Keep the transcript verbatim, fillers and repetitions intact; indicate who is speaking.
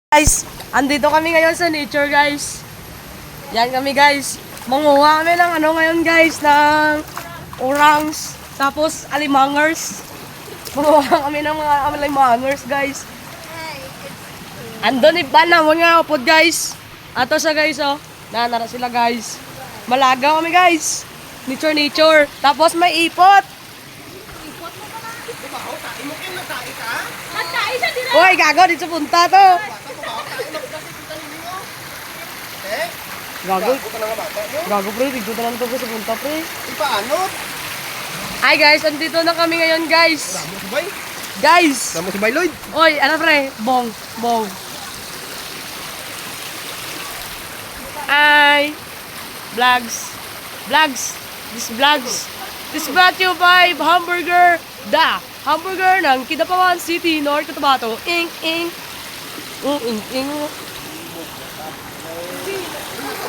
Speaker 1: Guys, andito kami ngayon sa nature guys. Yan kami guys. Manguha kami ng ano ngayon guys, ng orangs, tapos alimangers. Manguha kami ng mga alimangers guys. Andun iba na mga upod guys. Ato sa guys oh. Nanara sila guys. Malagaw kami guys. Nature nature. Tapos may ipot. Uy, gago dito sa punta to. Gago. Gago pre, dito na lang to sa punta pre.
Speaker 2: Paano?
Speaker 1: Hi guys, andito na kami ngayon guys.
Speaker 2: Damo si Bay.
Speaker 1: Guys.
Speaker 2: Damo si Bay Lloyd.
Speaker 1: Oy, ano pre? Bong, bong. Hi. Vlogs. Vlogs. This vlogs. This brought to you by Hamburger. Da. Hamburger ng Kidapawan City, North Cotabato. Ing, ing. Mm, ing, ing.